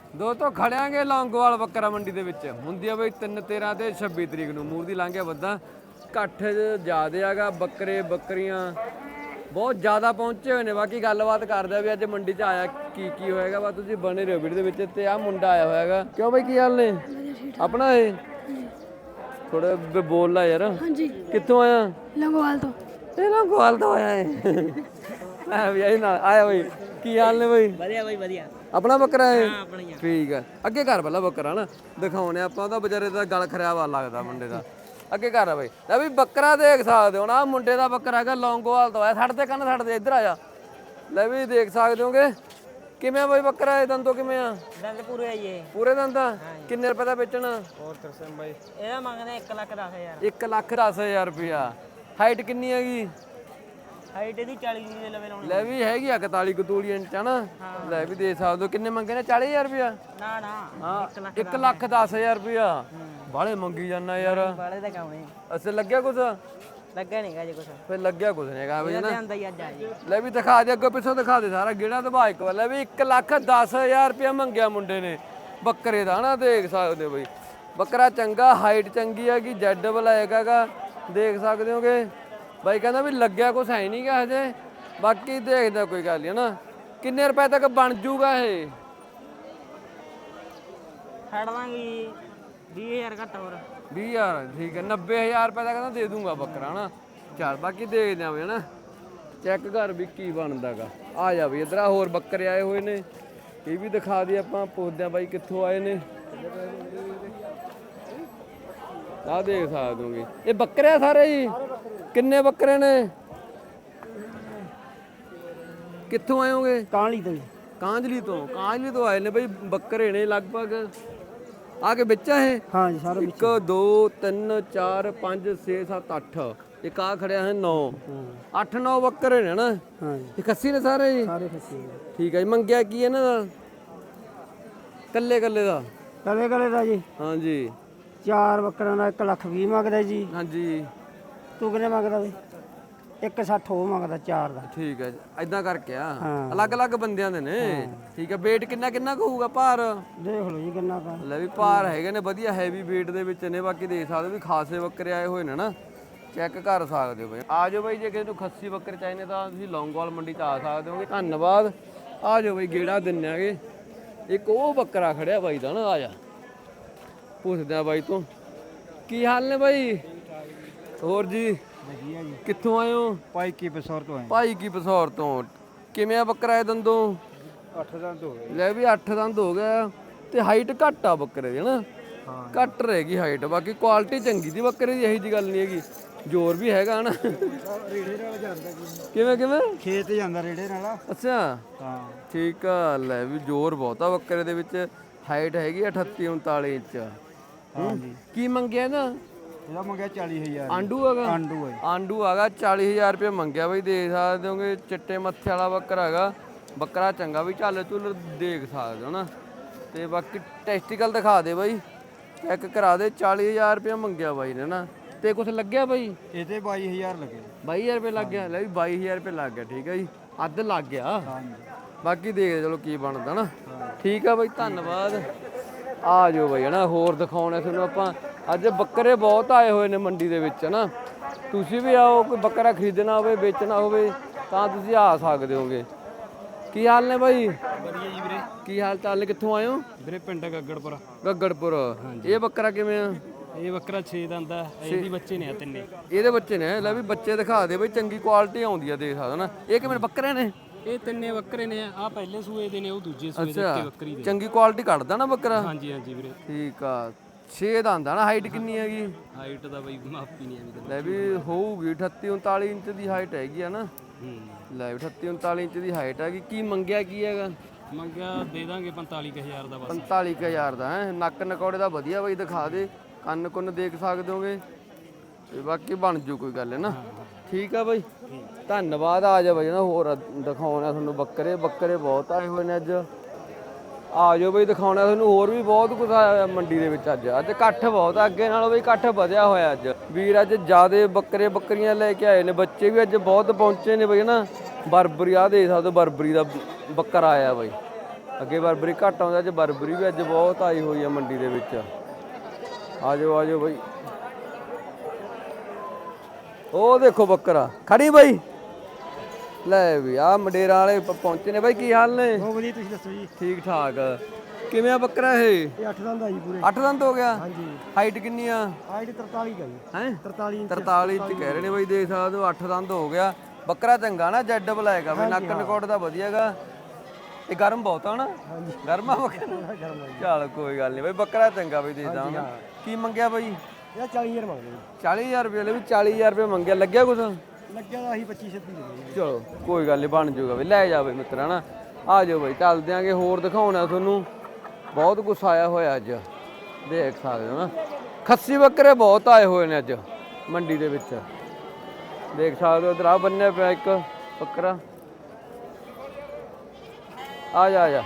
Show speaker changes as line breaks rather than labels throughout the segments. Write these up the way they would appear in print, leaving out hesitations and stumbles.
ਦੋਸਤੋ ਖੜਿਆਂਗੇ ਲੌਂਗੋਵਾਲ ਬੱਕਰਾ ਮੰਡੀ ਦੇ ਵਿੱਚ ਹੁੰਦੀ ਆ ਬਈ 3 13 ਤੇ 26 ਤਰੀਕ ਨੂੰ ਮੂਰ ਦੀ ਲੰਘਿਆ ਵੱਧਾ ਇਕੱਠ ਜ਼ਿਆਦੇ ਆਗਾ ਬੱਕਰੇ ਬੱਕਰੀਆਂ ਬਹੁਤ ਜ਼ਿਆਦਾ ਪਹੁੰਚੇ ਹੋਏ ਨੇ। ਬਾਕੀ ਗੱਲਬਾਤ ਕਰਦੇ ਆ ਵੀ ਅੱਜ ਮੰਡੀ 'ਚ ਆਇਆ ਕੀ ਹੋਏਗਾ। ਬਸ ਤੁਸੀਂ ਬਣੇ ਰਹੋ ਵੀਡੀਓ ਦੇ ਵਿੱਚ। ਤੇ ਆਹ ਮੁੰਡਾ ਆਇਆ ਹੋਇਆਗਾ। ਕਿਉਂ ਬਈ ਕੀ ਹਾਲ ਨੇ ਆਪਣਾ? ਇਹ ਥੋੜਾ ਬੋਲ ਲਾ ਯਾਰ।
ਹਾਂਜੀ
ਕਿੱਥੋਂ ਆਇਆ?
ਲੰਗੋਵਾਲ ਤੋਂ।
ਇਹ ਲੰਗੋਵਾਲ ਤੋਂ ਆਇਆ ਏ ਆ ਵੀ ਨਾਲ ਆਇਆ ਬਈ। ਕੀ ਹਾਲ ਨੇ ਬਈ?
ਵਧੀਆ ਬਾਈ ਵਧੀਆ।
ਆਪਣਾ ਬੱਕਰਾ ਹੈ?
ਹਾਂ ਆਪਣੀ ਆ।
ਠੀਕ ਆ ਅੱਗੇ ਘਰ ਪਹਿਲਾਂ ਬੱਕਰਾ ਨਾ ਦਿਖਾਉਣੇ ਆਪਾਂ। ਉਹਦਾ ਵਿਚਾਰੇ ਦਾ ਗਲ ਖਰਿਆ ਲੱਗਦਾ ਮੁੰਡੇ ਦਾ। ਅੱਗੇ ਘਰ ਆ ਬਈ। ਲੈ ਵੀ ਬੱਕਰਾ ਦੇਖ ਸਕਦੇ ਹੋ ਨਾ। ਮੁੰਡੇ ਦਾ ਬੱਕਰਾ ਹੈਗਾ ਲੌਂਗੋਵਾਲ ਤੋਂ ਆਇਆ। ਛੱਡ ਤੇ ਕੰਨ ਛੱਡ ਦੇ ਇੱਧਰ ਆ ਜਾ। ਲੈ ਵੀ ਦੇਖ ਸਕਦੇ ਹੋਗੇ ਕਿਵੇਂ ਬਈ ਬੱਕਰਾ ਇਹ ਦੰਦੋਂ ਕਿਵੇਂ ਆ?
ਦੰਦ ਪੂਰੇ ਆਈਏ।
ਪੂਰੇ ਦੰਦਾਂ ਕਿੰਨੇ ਰੁਪਏ ਦਾ ਵੇਚਣਾ?
ਹੋਰ ਤਰਸਮ ਬਾਈ ਇਹਦਾ ਮੰਗਦੇ 1,10,000।
1,10,000 ਰੁਪਇਆ। ਹਾਈਟ ਕਿੰਨੀ ਹੈਗੀ?
ਹਾਈਟ ਇਹਦੀ 40 ਦੇ ਲਵੇ ਲਾਉਣੀ।
ਲੈ ਵੀ ਹੈਗੀ ਆ 41 ਕਤੂਲੀ ਇੰਚ ਹਨਾ। ਲੈ ਵੀ ਦੇ ਸਕਦੇ ਹੋ। ਕਿੰਨੇ ਮੰਗੇ ਨੇ? 40,000 ਰੁਪਇਆ।
ਨਾ ਨਾ
ਹਾਂ 1,10,000 ਰੁਪਇਆ। ਬਾਲੇ ਮੰਗੀ ਜਾਂਦਾ ਯਾਰ।
ਬਾਲੇ ਦਾ ਕੰਮ ਨਹੀਂ।
ਅਸੇ ਲੱਗਿਆ ਕੁਛ?
ਲੱਗਾ ਨਹੀਂਗਾ ਜੀ ਕੁਛ।
ਫੇ ਲੱਗਿਆ ਕੁਛ ਨਹੀਂ ਹੈਗਾ ਬਈ ਨਾ।
ਆਂਦਾ ਹੀ ਅੱਜ ਆ ਜੀ।
ਲੈ ਵੀ ਦਿਖਾ ਦੇ ਅੱਗੋਂ ਪਿੱਛੋਂ ਦਿਖਾ ਦੇ ਸਾਰਾ ਗੇੜਾ ਦਬਾ ਇੱਕ ਵਾਰ। ਲੈ ਵੀ 1,10,000 ਰੁਪਇਆ ਮੰਗਿਆ ਮੁੰਡੇ ਨੇ ਬੱਕਰੇ ਦਾ ਹਨਾ। ਦੇਖ ਸਕਦੇ ਹੋ ਬਈ ਬੱਕਰਾ ਚੰਗਾ ਹਾਈਟ ਚੰਗੀ ਹੈਗੀ ਜੈਡ ਬਲੈਕ ਹੈਗਾ। ਦੇਖ ਸਕਦੇ ਹੋਗੇ ਬਾਈ ਕਹਿੰਦਾ ਵੀ ਲੱਗਿਆ ਕੁਛ ਹੈ ਨਹੀਂ ਗਾ ਹਜੇ। ਬਾਕੀ ਦੇਖਦਾ ਕੋਈ ਗੱਲ ਨਹੀਂ ਹਨਾ। ਕਿੰਨੇ ਰੁਪਏ ਤੱਕ ਬਣ ਜੂਗਾ ਇਹ?
ਛੱਡ ਦਾਂਗੀ 20,000 ਘੱਟ ਹੋਰ।
20,000 ਠੀਕ ਹੈ। 90,000 ਰੁਪਏ ਦਾ ਕਹਿੰਦਾ ਦੇ ਦੂੰਗਾ ਬੱਕਰਾ ਹਨਾ। ਚੱਲ ਬਾਕੀ ਦੇਖਦੇ ਆਂ ਵੀ ਹਨਾ। ਚੈੱਕ ਕਰ ਵੀ ਕੀ ਬਣਦਾਗਾ। ਆ ਜਾ ਵੀ ਇਧਰ ਹੋਰ ਬੱਕਰੇ ਆਏ ਹੋਏ ਨੇ ਇਹ ਵੀ ਦਿਖਾ ਦੇ ਆਪਾਂ। ਪੁੱਛਦੇ ਆਂ ਬਾਈ ਕਿੱਥੋਂ ਆਏ ਨੇ। ਆ ਦੇਖ ਸਕਦੇ ਹੋਗੇ ਇਹ ਬੱਕਰੇ ਆ ਸਾਰੇ ਜੀ। ਕਿੰਨੇ ਬੱਕਰੇ ਨੇ? ਕਿੱਥੋਂ ਆਏ ਹੋਗੇ?
ਕਾਂਲੀ ਤੋਂ।
ਕਾਂਜਲੀ ਤੋਂ ਆਏ ਨੇ ਬਈ ਬੱਕਰੇ ਨੇ ਲਗਭਗ। ਆ ਕੇ ਵਿੱਚ ਆ ਇਹ?
ਹਾਂ ਜੀ ਸਾਰੇ
1 2 3 4 5 6 7 8 ਇੱਕ ਆ ਖੜਿਆ ਹੈ 9 8 9 ਬੱਕਰੇ ਨੇ ਨਾ।
ਹਾਂ ਜੀ
ਇਹ ਖੱਸੀ ਨੇ ਸਾਰੇ ਜੀ?
ਸਾਰੇ ਖੱਸੀ।
ਠੀਕ ਹੈ ਜੀ। ਮੰਗਿਆ ਕੀ ਇਹਨਾਂ ਦਾ? ਕੱਲੇ ਦਾ?
ਕਲੇ ਦਾ ਜੀ
ਹਾਂਜੀ
4 ਬੱਕਰਾਂ ਦਾ 1,20,000 ਮੰਗਦਾ ਜੀ।
ਹਾਂਜੀ
ਤੂੰ ਕਿੰਨੇ ਮੰਗਦਾ ਬਈ? 1,60 ਉਹ ਮੰਗਦਾ 4 ਦਾ।
ਠੀਕ ਹੈ ਐਦਾਂ ਕਰਕੇ ਆ
ਹਾਂ।
ਅਲੱਗ ਬੰਦਿਆਂ ਦੇ ਨੇ। ਠੀਕ ਹੈ weight ਕਿੰਨਾ ਕੁ ਹੋਊਗਾ ਭਾਰ?
ਦੇਖ ਲਓ ਜੀ ਕਿੰਨਾ ਕਾ।
ਲੈ ਵੀ ਭਾਰ ਹੈਗੇ ਨੇ ਵਧੀਆ ਹੈਵੀ weight ਦੇ ਵਿੱਚ ਨੇ। ਬਾਕੀ ਦੇਖ ਸਕਦੇ ਵੀ ਖਾਸੇ ਬੱਕਰੇ ਆਏ ਹੋਏ ਨੇ ਨਾ। ਚੈੱਕ ਕਰ ਸਕਦੇ ਹੋ ਬਈ। ਆ ਜਾਓ ਬਈ ਜੇ ਕਿਸੇ ਨੂੰ ਖੱਸੀ ਬੱਕਰੇ ਚਾਹੀਦੇ ਤਾਂ ਤੁਸੀਂ ਲੌਂਗੋਵਾਲ ਮੰਡੀ 'ਚ ਆ ਸਕਦੇ ਹੋਗੇ। ਧੰਨਵਾਦ। ਆ ਜਾਓ ਬਈ ਗੇੜਾ ਦਿੰਨੇ ਆਗੇ। ਇੱਕ ਉਹ ਬੱਕਰਾ ਖੜਿਆ ਬਾਈ ਦਾ ਨਾ। ਆ ਜਾ ਪੁੱਛਦੇ ਆ ਬਾਈ ਤੋਂ ਕੀ ਹਾਲ ਨੇ ਬਾਈ? ਹੋਰ ਜੀ
ਵਧੀਆ ਜੀ।
ਕਿੱਥੋਂ ਆਏ ਹੋ?
ਭਾਈ ਕੀ ਬਸੌਰ ਤੋਂ ਆਏ।
ਭਾਈ ਕੀ ਪਸੌਰ ਤੋਂ। ਕਿਵੇਂ ਆ ਬੱਕਰਾ ਇਹ ਦੰਦੋਂ?
8 ਦੰਦ ਹੋ ਗਏ।
ਲੈ ਵੀ 8 ਦੰਦ ਹੋ ਗਿਆ ਤੇ ਹਾਈਟ ਘੱਟ ਆ ਬੱਕਰੇ ਦੀ ਹਨਾ। ਘੱਟ ਰਹੇਗੀ ਹਾਈਟ। ਬਾਕੀ ਕੁਆਲਿਟੀ ਚੰਗੀ ਦੀ ਬੱਕਰੇ ਦੀ ਇਹੀ ਜੀ ਗੱਲ ਨਹੀਂ ਹੈਗੀ। ਜ਼ੋਰ ਵੀ ਹੈਗਾ ਹਨਾ।
ਰੇੜੇ ਨਾਲ ਜਾਂਦਾ
ਕਿਵੇਂ
ਖੇਤ ਜਾਂਦਾ ਰੇੜੇ ਨਾਲ।
ਅੱਛਾ
ਹਾਂ
ਠੀਕ ਆ। ਲੈ ਵੀ ਜ਼ੋਰ ਬਹੁਤ ਆ ਬੱਕਰੇ ਦੇ ਵਿੱਚ। ਹਾਈਟ ਹੈਗੀ 38 39 ਇੰਚ।
ਹਾਂ ਜੀ।
ਕੀ ਮੰਗਿਆ ਨਾ?
ਇਹਦਾ ਮੰਗਿਆ 40,000।
ਆਂਡੂ ਹੈਗਾ?
ਆਂਡੂ ਹੈ।
ਆਂਡੂ ਹੈਗਾ 40,000 ਰੁਪਏ ਮੰਗਿਆ ਬਈ। ਦੇਖ ਸਕਦੇ ਹੋਗੇ ਚਿੱਟੇ ਮੱਥੇ ਵਾਲਾ ਬੱਕਰਾ ਹੈਗਾ। ਬੱਕਰਾ ਚੰਗਾ ਵੀ ਝੱਲ ਝੁੱਲ ਦੇਖ ਸਕਦੇ ਹੋ ਨਾ। ਤੇ ਬਾਕੀ ਟੈਸਟੀਕਲ ਦਿਖਾ ਦੇ ਬਾਈ। ਚੈੱਕ ਕਰਾ ਦੇ। 40,000 ਰੁਪਏ ਮੰਗਿਆ ਬਾਈ ਨੇ ਨਾ। ਤੇ ਕੁਛ ਲੱਗਿਆ ਬਾਈ?
ਇਹਦੇ 22,000 ਲੱਗੇ।
22,000 ਰੁਪਏ ਲੱਗ ਗਿਆ। ਲੈ ਵੀ 22,000 ਰੁਪਏ ਲੱਗ ਗਿਆ। ਠੀਕ ਹੈ ਜੀ ਅੱਧ ਲੱਗ ਗਿਆ।
ਹਾਂ ਜੀ।
ਬਾਕੀ ਦੇਖ ਚਲੋ ਕੀ ਬਣਦਾ ਨਾ। ਠੀਕ ਆ ਬਾਈ ਧੰਨਵਾਦ। ਆ ਜਾਓ ਬਾਈ ਹਨਾ। ਹੋਰ ਦਿਖਾਉਣੇ ਤੁਹਾਨੂੰ ਆਪਾਂ। ਅੱਜ ਬੱਕਰੇ ਬਹੁਤ ਆਏ ਹੋਏ ਨੇ ਮੰਡੀ ਦੇ ਵਿੱਚ ਹਨਾ। ਤੁਸੀਂ ਵੀ ਆਓ। ਕੋਈ ਬੱਕਰਾ ਖਰੀਦਣਾ ਹੋਵੇ ਵੇਚਣਾ ਹੋਵੇ ਤਾਂ ਤੁਸੀਂ ਆ ਸਕਦੇ ਹੋਗੇ। ਕੀ ਹਾਲ ਨੇ ਬਾਈ?
ਵਧੀਆ ਜੀ ਵੀਰੇ।
ਕੀ ਹਾਲ ਚਾਲ ਨੇ? ਕਿੱਥੋਂ ਆਏ ਹੋ?
ਵੀਰੇ ਪਿੰਡ ਗੱਗੜਪੁਰ।
ਗੱਗੜਪੁਰ। ਇਹ ਬੱਕਰਾ ਕਿਵੇਂ ਆ?
ਇਹ ਬੱਕਰਾ 6 ਦੰਦ ਆ। ਇਹਦੀ ਬੱਚੇ ਨੇ ਆ ਤਿੰਨੇ।
ਇਹਦੇ ਬੱਚੇ ਨੇ? ਲੈ ਵੀ ਬੱਚੇ ਦਿਖਾ ਦੇ ਬਈ। ਚੰਗੀ ਕੁਆਲਿਟੀ ਆਉਂਦੀ ਆ ਦੇਖ ਸਕਦਾ ਨਾ। ਇਹ ਕਿਵੇਂ ਬੱਕਰੇ ਨੇ?
ਇਹ ਤਿੰਨੇ ਬੱਕਰੇ ਨੇ। ਆ ਪਹਿਲੇ ਸੂਏ ਦੇ ਨੇ ਉਹ ਦੂਜੇ ਸੂਏ ਦੇ
ਅੱਛਾ
ਬੱਕਰੀ ਦੇ।
ਚੰਗੀ ਕੁਆਲਿਟੀ ਕੱਢਦਾ ਨਾ ਬੱਕਰਾ।
ਹਾਂਜੀ ਹਾਂਜੀ ਵੀਰੇ।
ਠੀਕ ਆ 6 ਦਾ ਹੁੰਦਾ ਨਾ। ਹਾਈਟ ਕਿੰਨੀ ਹੈਗੀ?
ਹਾਈਟ ਦਾ ਬਈ ਮਾਪੀ ਨਹੀਂ ਆਵੀ।
ਲੈ ਵੀ ਹੋਊਗੀ 38 39 ਇੰਚ ਦੀ ਹਾਈਟ ਹੈਗੀ ਆ ਨਾ। ਲੈ ਵੀ 38 39 ਇੰਚ ਦੀ ਹਾਈਟ ਹੈਗੀ। ਕੀ ਮੰਗਿਆ ਕੀ ਹੈਗਾ?
ਮੰਗਿਆ ਦੇ ਦਾਂਗੇ 45,000 ਦਾ ਬਸ।
45,000 ਦਾ ਹੈ। ਨੱਕ ਨਕੌੜੇ ਦਾ ਵਧੀਆ ਬਈ ਦਿਖਾ ਦੇ। ਕੰਨ ਕੁੰਨ ਦੇਖ ਸਕਦੇ ਹੋਗੇ ਤੇ ਬਾਕੀ ਬਣ ਜੂ ਕੋਈ ਗੱਲ ਹੈ ਨਾ। ਠੀਕ ਆ ਬਾਈ ਧੰਨਵਾਦ। ਆ ਜਾ ਬਾਈ ਨਾ ਹੋਰ ਦਿਖਾਉਣਾ ਤੁਹਾਨੂੰ ਬੱਕਰੇ ਬਹੁਤ ਆਏ ਹੋਏ ਨੇ ਅੱਜ। ਆ ਜਾਓ ਬਈ ਦਿਖਾਉਣਾ ਤੁਹਾਨੂੰ ਹੋਰ ਵੀ ਬਹੁਤ ਕੁਝ ਆਇਆ ਮੰਡੀ ਦੇ ਵਿੱਚ। ਅੱਜ ਇਕੱਠ ਬਹੁਤ ਆ। ਅੱਗੇ ਨਾਲੋਂ ਬਈ ਇਕੱਠ ਵਧਿਆ ਹੋਇਆ ਅੱਜ। ਵੀਰ ਅੱਜ ਜ਼ਿਆਦੇ ਬੱਕਰੀਆਂ ਲੈ ਕੇ ਆਏ ਨੇ। ਬੱਚੇ ਵੀ ਅੱਜ ਬਹੁਤ ਪਹੁੰਚੇ ਨੇ ਬਈ ਨਾ। ਬਰਬਰੀ ਆ ਦੇਖ ਸਕਦੇ ਬਰਬਰੀ ਦਾ ਬੱਕਰਾ ਆਇਆ ਬਈ। ਅੱਗੇ ਬਰਬਰੀ ਘੱਟ ਆਉਂਦਾ, ਅੱਜ ਬਰਬਰੀ ਵੀ ਅੱਜ ਬਹੁਤ ਆਈ ਹੋਈ ਆ ਮੰਡੀ ਦੇ ਵਿੱਚ। ਆ ਜਾਓ ਬਾਈ। ਉਹ ਦੇਖੋ ਬੱਕਰਾ ਖੜੀ ਬਾਈ। ਲੈ ਵੀ ਆ ਮੰਡੇਰਾਂ ਵਾਲੇ ਪਹੁੰਚੇ ਨੇ ਬਾਈ। ਕੀ ਹਾਲ ਨੇ?
ਬਹੁਤ ਵਧੀਆ, ਤੁਸੀਂ ਦੱਸੋ ਜੀ?
ਠੀਕ ਠਾਕ। ਕਿਵੇਂ ਆ ਬੱਕਰਾ ਇਹ?
ਇਹ 8 ਦੰਦ ਆ ਜੀ ਪੂਰੇ।
8 ਦੰਦ ਹੋ ਗਿਆ?
ਹਾਂਜੀ।
ਹਾਈਟ ਕਿੰਨੀ ਆ?
ਹਾਈਟ 43 ਦਾ ਜੀ।
ਹੈ
43 ਇੰਚ।
43 ਇੰਚ ਕਹਿ ਰਹੇ ਨੇ ਬਾਈ, ਦੇਖ ਸਕਦੇ ਹੋ। 8 ਦੰਦ ਹੋ ਗਿਆ ਬੱਕਰਾ, ਚੰਗਾ ਨਾ, ਜੈਡ ਬਲੈਕ ਆ ਬਈ, ਨੱਕ ਨਕੋਟ ਦਾ ਵਧੀਆਗਾ। ਇਹ ਗਰਮ ਬਹੁਤ ਆ ਨਾ?
ਹਾਂਜੀ।
ਗਰਮ ਆ ਬੱਕਰਾ?
ਗਰਮ ਆ ਜੀ।
ਚੱਲ ਕੋਈ ਗੱਲ ਨਹੀਂ ਬਾਈ, ਬੱਕਰਾ ਚੰਗਾ ਬਈ, ਦੇਖਦਾ ਹੁਣ। ਕੀ ਮੰਗਿਆ ਬਾਈ?
ਇਹ 40000 ਮੰਗਦੇ ਜੀ।
40000 ਰੁਪਏ ਲੈ ਵੀ, 40000 ਰੁਪਏ ਮੰਗਿਆ। ਲੱਗਿਆ ਕੁਛ?
ਲੱਗਿਆ ਤਾਂ ਅਸੀਂ 25-26 ਦੇ ਦੇ।
ਚਲੋ ਕੋਈ ਗੱਲ ਨਹੀਂ, ਬਣ ਜਾਊਗਾ ਬਈ, ਲੈ ਜਾ ਬਈ ਮਿੱਤਰਾ ਨਾ। ਆ ਜਾਓ ਬਈ, ਚੱਲਦੇ ਆਂਗੇ, ਹੋਰ ਦਿਖਾਉਣਾ ਤੁਹਾਨੂੰ। ਬਹੁਤ ਕੁਛ ਆਇਆ ਹੋਇਆ ਅੱਜ, ਦੇਖ ਸਕਦੇ ਹੋ ਨਾ। ਖੱਸੀ ਬੱਕਰੇ ਬਹੁਤ ਆਏ ਹੋਏ ਨੇ ਅੱਜ ਮੰਡੀ ਦੇ ਵਿੱਚ, ਦੇਖ ਸਕਦੇ ਹੋ। ਇਧਰ ਆ ਬੰਨਿਆ ਪਿਆ ਇੱਕ ਬੱਕਰਾ। ਆ ਜਾ।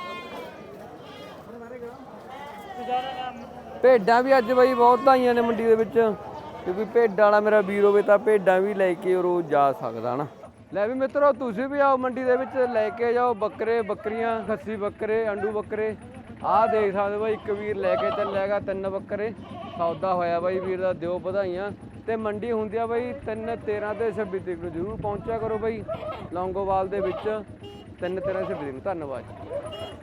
ਭੇਡਾਂ ਵੀ ਅੱਜ ਬਈ ਬਹੁਤ ਆਈਆਂ ਨੇ ਮੰਡੀ ਦੇ ਵਿੱਚ, ਕਿਉਂਕਿ ਭੇਡਾਂ ਵਾਲਾ ਮੇਰਾ ਵੀਰ ਹੋਵੇ ਤਾਂ ਭੇਡਾਂ ਵੀ ਲੈ ਕੇ ਰੋਜ਼ ਜਾ ਸਕਦਾ ਨਾ। ਲੈ ਵੀ ਮਿੱਤਰੋ, ਤੁਸੀਂ ਵੀ ਆਓ ਮੰਡੀ ਦੇ ਵਿੱਚ, ਲੈ ਕੇ ਜਾਓ ਬੱਕਰੇ, ਬੱਕਰੀਆਂ, ਖੱਸੀ ਬੱਕਰੇ, ਅੰਡੂ ਬੱਕਰੇ। ਆਹ ਦੇਖ ਸਕਦੇ ਬਾਈ, ਇੱਕ ਵੀਰ ਲੈ ਕੇ ਚੱਲਿਆਗਾ 3 ਬੱਕਰੇ। ਸੌਦਾ ਹੋਇਆ ਬਾਈ ਵੀਰ ਦਾ, ਦਿਓ ਵਧਾਈਆਂ। ਤੇ ਮੰਡੀ ਹੁੰਦੀ ਆ ਬਾਈ 3, 13 ਤੇ 26 ਤਰੀਕ ਨੂੰ। ਜ਼ਰੂਰ ਪਹੁੰਚਿਆ ਕਰੋ ਬਾਈ ਲੌਂਗੋਵਾਲ ਦੇ ਵਿੱਚ, 3, 13, 26 ਤਰੀਕ ਨੂੰ। ਧੰਨਵਾਦ।